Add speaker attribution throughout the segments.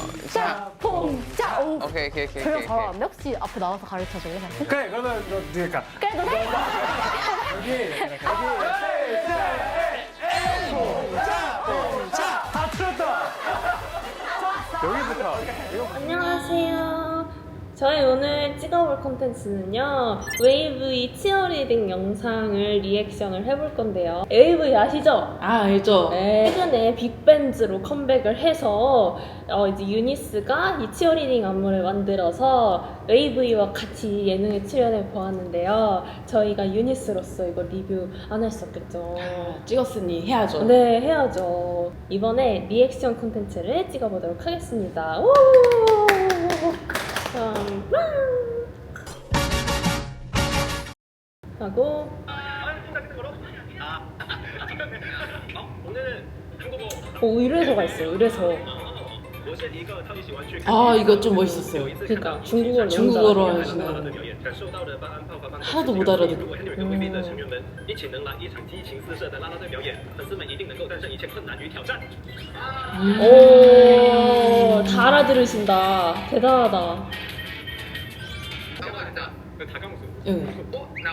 Speaker 1: 자, 봉자. 오.
Speaker 2: 오케이.
Speaker 1: 별로 잘 안 돼. 혹시 앞에 나와서 가르쳐줄래?
Speaker 3: 그래, 그러면 너 그러니까
Speaker 1: 그래, 너 해.
Speaker 3: 다 틀었다. 여기부터.
Speaker 4: 안녕하세요. 저희 오늘 찍어볼 콘텐츠는요, 웨이브의 치어리딩 영상을 리액션을 해볼 건데요. 웨이브 아시죠?
Speaker 5: 아, 알죠.
Speaker 4: 네, 최근에 빅밴즈로 컴백을 해서 이제 유니스가 이 치어리딩 안무를 만들어서 웨이브와 같이 예능에 출연해 보았는데요. 저희가 유니스로서 이거 리뷰 안 할 수 없겠죠.
Speaker 5: 찍었으니 해야죠.
Speaker 4: 네, 해야죠. 이번에 리액션 콘텐츠를 찍어보도록 하겠습니다. 우! 하고 의뢰서가 있어요. 의뢰서.
Speaker 5: 아, 이거 좀 멋있었어요.
Speaker 4: 그러니까 중국어로
Speaker 5: 중국어로
Speaker 4: 연주하는
Speaker 5: 하시는 하나도 못 알아듣고.
Speaker 4: 오, 다 알아들으신다. 대단하다.
Speaker 5: 응.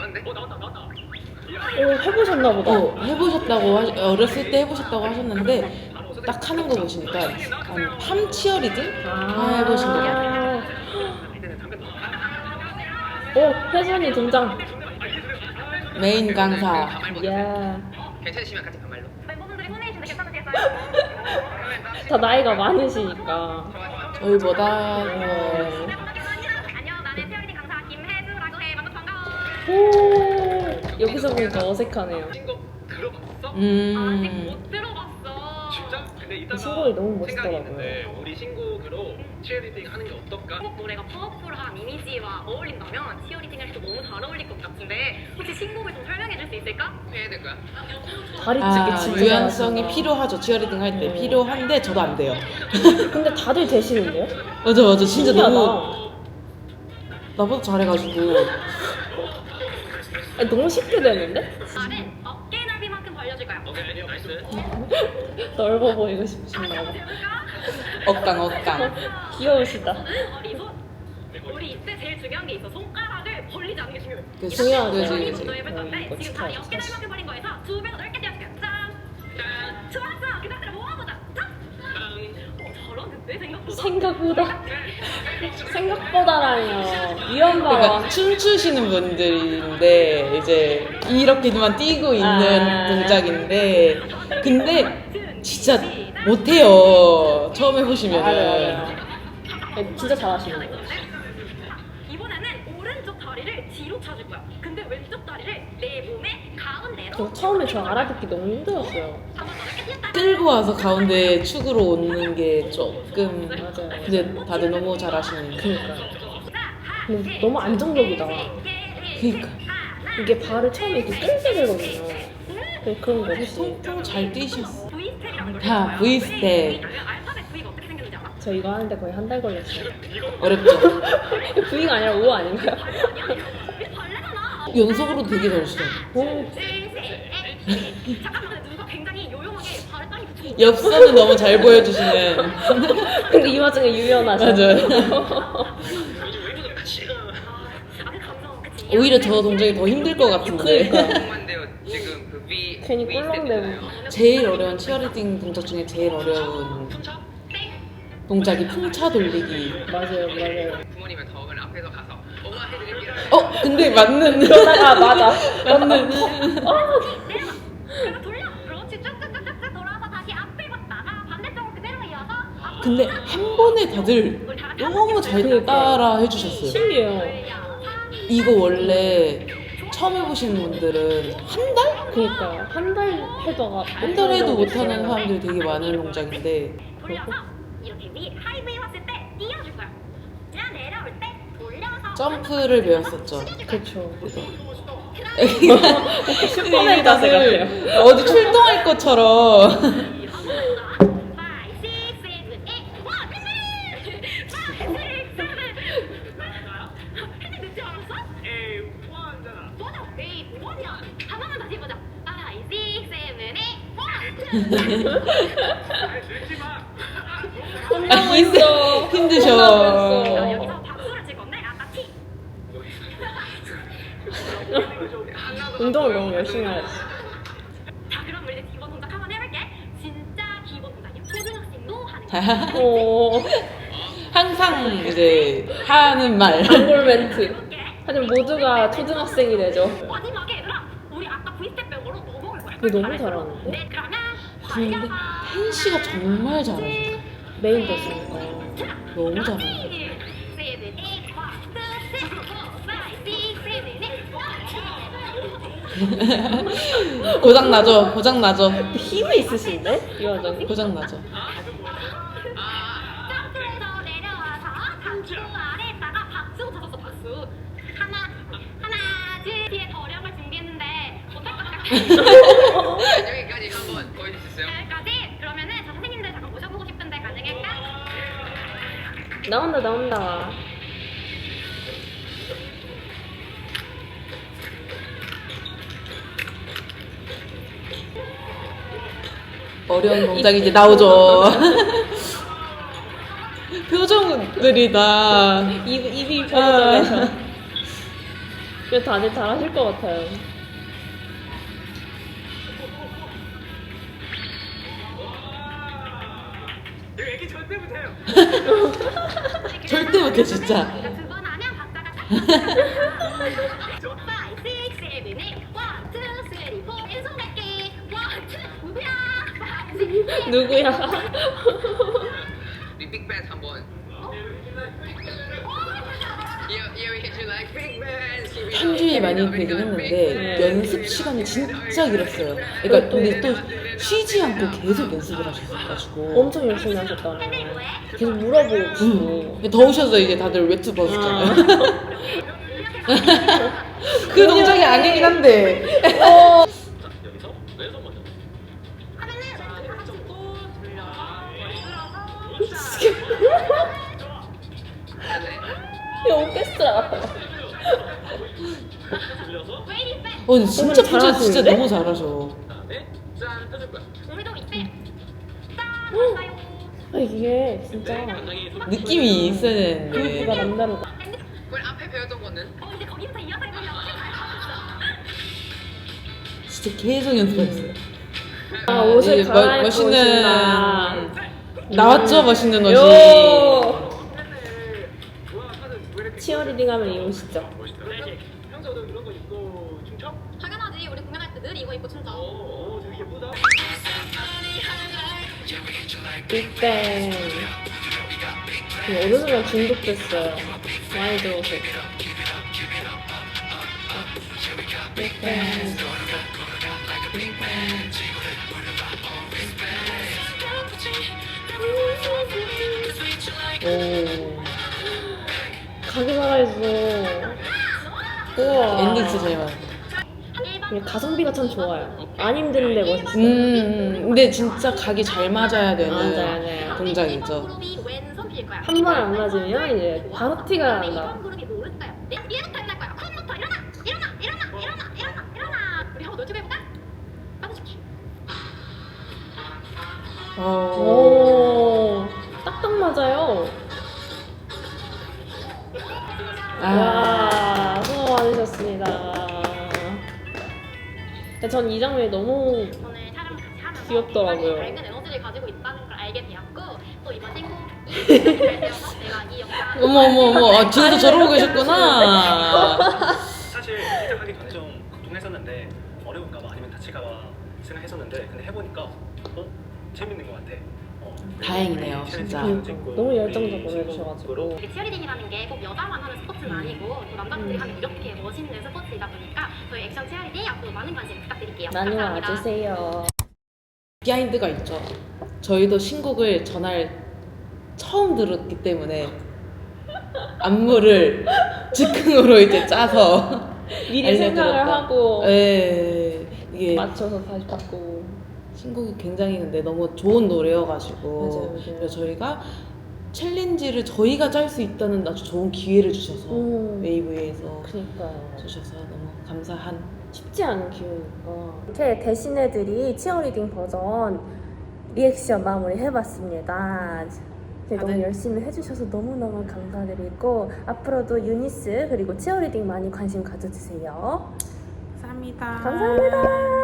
Speaker 4: 오, 해보셨나 보다.
Speaker 5: 해보셨다고 어렸을 때 해보셨다고 하셨는데 딱 하는 거 보시니까 팜 치어리딩 해보신 거 같아요.
Speaker 4: 오, 혜선이 등장.
Speaker 5: 메인 강사.
Speaker 4: 이야.
Speaker 2: 괜찮으시면 같이 반말로.
Speaker 6: 멤버분들이 손해주는데 괜찮으시겠어요?
Speaker 4: 다 나이가 많으시니까.
Speaker 5: 저희보다
Speaker 6: 안녕, 나는 치어리딩 강사 김혜주라고 해. 만나서 반가워.
Speaker 4: 오, 여기서 보니까 어색하네요.
Speaker 6: 아직 못 들어봤어.
Speaker 7: 진짜? 근데 이따가
Speaker 4: 신곡이 너무
Speaker 7: 생각이
Speaker 4: 멋있더라고요.
Speaker 7: 있는데 우리 신곡으로 치어리딩 하는 게 어떨까?
Speaker 6: 신곡 노래가 파워풀한 이미지와 어울린다면 치어리딩을 해도 너무 잘 어울릴 것 같은데 혹시 신곡을 좀 설명해 줄 수 있을까?
Speaker 2: 해야 될 거야?
Speaker 4: 다리 찢기 진짜
Speaker 5: 유연성이
Speaker 4: 잘하신다.
Speaker 5: 필요하죠. 치어리딩 할 때 필요한데 저도 안 돼요.
Speaker 4: 근데 다들 되시는데요?
Speaker 5: 맞아. 진짜
Speaker 4: 신기하다.
Speaker 5: 너무 나보다 잘해가지고.
Speaker 4: 아니, 너무 쉽게 되는데?
Speaker 6: 말은 어깨 넓이만큼 벌려줄 거야.
Speaker 7: 오케이, 나이스.
Speaker 4: 넓어 보이고 싶으신가 봐.
Speaker 5: 억강.
Speaker 4: 귀여우시다.
Speaker 6: 우리 손. 우리 이때 제일 중요한 게 있어. 손가락을 벌리지 않는 게 중요해.
Speaker 5: 그치.
Speaker 4: 중요하죠.
Speaker 6: 다리
Speaker 5: 그치.
Speaker 6: 먼저 해볼 건데
Speaker 4: 이거
Speaker 6: 지금 다리
Speaker 4: 축하하죠,
Speaker 6: 어깨
Speaker 4: 사실.
Speaker 6: 넓이만큼 벌린 거에서 두 배로 넓게 띄워줄게요. 짠! 좋았어! 그 상태로 모아보자. 짠! 잘하는데
Speaker 4: 생각보다라뇨. 위험바가.
Speaker 5: 그러니까 춤추시는 분들인데 이제 이렇게만 뛰고 있는 동작인데 근데 진짜 못해요. 처음 해보시면은.
Speaker 4: 맞아요. 진짜 잘하시는 거예요.
Speaker 6: 이번에는 오른쪽 다리를 뒤로 차줄 거야. 근데 왼쪽 다리를 내 몸의 가운데로.
Speaker 4: 저 처음에 저 알아듣기 너무 힘들었어요.
Speaker 6: 한번 더 넓게 뛰었다.
Speaker 5: 끌고 와서 가운데 축으로 오는 게 조금
Speaker 4: 맞아요.
Speaker 5: 근데 다들 너무 잘하시는.
Speaker 4: 그러니까. 근데 너무 안정적이다.
Speaker 5: 그러니까
Speaker 4: 이게 발을 처음에 이렇게 끌게 되거든요. 근데 그런 거 없이.
Speaker 5: 통통 잘 뛰셨어.
Speaker 6: V 스텝이라는 걸
Speaker 5: 다
Speaker 6: 해요.
Speaker 5: V 스텝.
Speaker 6: 알파벳 V가 어떻게 생겼는지 알아?
Speaker 4: 저 이거 하는데 거의 한 달 걸렸어요.
Speaker 5: 어렵죠.
Speaker 4: V가 아니라 O 아닌가요?
Speaker 6: 벌레잖아.
Speaker 5: 연속으로 되게 잘하시죠.
Speaker 6: 잠깐만, 누가 굉장히 요용하게 발을 땅에 붙이고.
Speaker 5: 엽서는 너무 잘 보여주시는.
Speaker 4: 근데 이 와중에 유연하셔.
Speaker 5: 맞아요.
Speaker 6: 그 감성, 그치?
Speaker 5: 오히려 저 동작이 더 힘들 것 같은데.
Speaker 2: 궁금한데요. 지금 그 V
Speaker 4: 괜히
Speaker 2: V
Speaker 4: 꿀렁대고.
Speaker 2: 스텝이잖아요.
Speaker 5: 제일 어려운 치어리딩 동작 중에 제일 어려운 동작이 풍차 돌리기.
Speaker 4: 맞아요.
Speaker 2: 부모님은 덕을 앞에서 가서 엄마 해드릴게요.
Speaker 5: 근데 맞는.
Speaker 4: 그러다가 맞아.
Speaker 5: 맞는.
Speaker 6: 내려가. 그리고 돌려. 그렇지. 쭉쭉쭉쭉 돌아서 다시 앞에 갔다가 반대쪽으로 그대로 이어서 앞으로.
Speaker 5: 근데 한 번에 다들
Speaker 6: 우리 다 같이
Speaker 5: 너무 잘 따라 해주셨어요.
Speaker 4: 신기해요.
Speaker 5: 이거 원래 처음 해보시는 분들은 한 달?
Speaker 4: 그러니까 한 달 해도
Speaker 5: 한 달 해도 못하는 사람들이 되게 많은 동작인데
Speaker 6: 돌려서 이렇게 하이 V 왔을 때 띄워줄 거야. 그냥 내려올 때 돌려서
Speaker 5: 점프를 배웠었죠.
Speaker 4: 그렇죠.
Speaker 5: 슈퍼맨
Speaker 4: 자세
Speaker 5: 다들 어디 출동할 것처럼.
Speaker 4: 혼나고 있어.
Speaker 5: 힘드셔.
Speaker 6: 자, 여기서 박수를 찍었네. 아까 T.
Speaker 4: 운동을 너무 열심히 하셨어.
Speaker 6: 자, 그럼 우리 이제 기본 동작 한번 해볼게. 진짜 기본 동작이야. 초등학생도 하는 거.
Speaker 4: 오,
Speaker 5: 항상 이제 하는 말.
Speaker 4: 단골 멘트. 하지만 모두가 초등학생이 되죠.
Speaker 6: 마지막에 얘들아, 우리 아까 V스텝 배우로 뭐 먹을 거야?
Speaker 4: 근데 너무 잘하는데?
Speaker 6: 네, 그러면
Speaker 5: 근데 팬 씨가 정말 잘하셔.
Speaker 4: 메인 됐으니까.
Speaker 5: 너무 잘하셔. 고장 나죠. 고장 나죠.
Speaker 4: 힘이 있으신데? 이 여자는?
Speaker 5: 고장 나죠.
Speaker 6: 점프해서 내려와서 박수 아래에다가 박수 쳐줬어. 박수. 하나, 둘. 뒤에 더력을 준비했는데 못할 것 같아.
Speaker 2: 여기까지 한번 보여줄 수 있어요?
Speaker 6: 여기까지. 그러면은 저 선생님들 잠깐 모셔보고 싶은데 가능할까?
Speaker 4: 나온다, 나온다.
Speaker 5: 어려운 동작이 이제 나오죠. 표정들이 다.
Speaker 4: 입이 펴져서. 그래도 다들 잘하실 것 같아요.
Speaker 7: 이거 애기 절대 못해요.
Speaker 5: 절대 못해, 진짜.
Speaker 6: 두번 하면 박자가 딱. 5, 6, 7, 8. 1, 2, 3, 4. 왼손 갈게. 1, 2, 누구야?
Speaker 4: 누구야?
Speaker 2: 우리 빅뱅 한번. Yeah, we hit you like Big Bang.
Speaker 5: 편주에 많이 되긴 했는데 연습 시간이 진짜 길었어요. 그러니까 근데 또 쉬지 않고 계속 연습을 하셨어가지고
Speaker 4: 엄청 열심히 하셨다네. 계속 물어보고 싶고.
Speaker 5: 더우셔서 이제 다들 외투 벗었잖아요. 그 동작이 아니긴 한데.
Speaker 7: 자, 여기서 왼손 먼저.
Speaker 4: 이 오케스트라 같아.
Speaker 7: 돌려서
Speaker 5: 근데 진짜
Speaker 4: 정말
Speaker 5: 편주 진짜
Speaker 4: 잘하시는데?
Speaker 5: 너무 잘하셔.
Speaker 7: 그다음에 짠 펴줄 거야.
Speaker 6: 우리도 이때 짠 왔어요.
Speaker 4: 아, 이게 진짜
Speaker 7: 굉장히
Speaker 5: 느낌이 있어야 되는데.
Speaker 4: 그룹가 남다르다.
Speaker 2: 그걸 앞에 배웠던 거는?
Speaker 6: 이제 거기부터 이어서 해보려고
Speaker 5: 진짜 계속 연습했어요.
Speaker 4: 아, 옷을
Speaker 5: 이제
Speaker 4: 갈아입고
Speaker 5: 멋있는
Speaker 4: 오신다.
Speaker 5: 나왔죠, 멋있는 옷이.
Speaker 4: 요!
Speaker 7: 좋아 하는 왜 이렇게
Speaker 4: 치어리딩 하면 이 옷이죠.
Speaker 7: 평소에도 이런 거 입고 춤춰?
Speaker 6: 당연하지. 우리 공연할 때 늘 이거 입고 춤춰.
Speaker 7: 되게 예쁘다.
Speaker 4: 빅뱅. 어느 순간 중독됐어요. 많이 들어서. 빅뱅.
Speaker 5: 오.
Speaker 4: 가게 살아있어. 우와.
Speaker 5: 엔딩 진짜 잘 맞아.
Speaker 4: 가성비가 참 좋아요. 안 힘든데 멋있어요.
Speaker 5: 근데 진짜 각이 잘 맞아야 되는
Speaker 4: 맞아요.
Speaker 5: 동작이죠.
Speaker 6: 그룹이 왼손 필 거야.
Speaker 4: 한 번 안 맞으면 이제 바로 티가 난다.
Speaker 6: 이번 그룹이 모를까요? 네? 얘부터 일어날 거야. 쿵부터 일어나. 우리 한번 놀축 해볼까? 빠져줄게.
Speaker 4: 오, 딱딱 맞아요. 와, 수고 많으셨습니다. 전 이 장면이 너무
Speaker 6: 오늘 촬영 같이 하면서
Speaker 4: 귀엽더라고요.
Speaker 6: 굉장히 밝은 에너지를 가지고 있다는 걸 알게 되었고 또 이번 신곡이 잘 되어서 내가 이 영상
Speaker 5: 어머, 뒤에서 저러고 계셨구나.
Speaker 7: 사실 시작하기 전에 좀 걱정했었는데 어려울까봐 아니면 다칠까봐 생각했었는데 근데 해보니까 재밌는 것 같아.
Speaker 5: 다행이네요, 진짜.
Speaker 4: 너무 열정적으로 해주셔가지고.
Speaker 6: 치어리딩이라는 게 꼭 여자만 하는 스포츠는 아니고 또 남자분들이 하면 이렇게 멋있는 스포츠이다 보니까 저희 액션 치어리딩 앞으로 많은 관심 부탁드릴게요.
Speaker 4: 많이
Speaker 6: 감사합니다.
Speaker 4: 와주세요.
Speaker 5: 비하인드가 있죠. 저희도 신곡을 전날 처음 들었기 때문에 안무를 즉흥으로 이제 짜서
Speaker 4: 미리
Speaker 5: 알려드렸다.
Speaker 4: 생각을 하고
Speaker 5: 네, 이게
Speaker 4: 맞춰서 다시 바꾸고.
Speaker 5: 신곡이 굉장히 근데 너무 좋은 노래여가지고
Speaker 4: 맞아요.
Speaker 5: 그래서 저희가 챌린지를 저희가 짤 수 있다는 아주 좋은 기회를 주셔서 웨이브에서
Speaker 4: 그니까요.
Speaker 5: 주셔서 너무 감사한.
Speaker 4: 쉽지 않은 기회니까. 이렇게 대신애들이 치어리딩 버전 리액션 마무리 해봤습니다. 네, 너무 열심히 해주셔서 너무너무 감사드리고 앞으로도 유니스 그리고 치어리딩 많이 관심 가져주세요.
Speaker 5: 감사합니다.
Speaker 4: 감사합니다.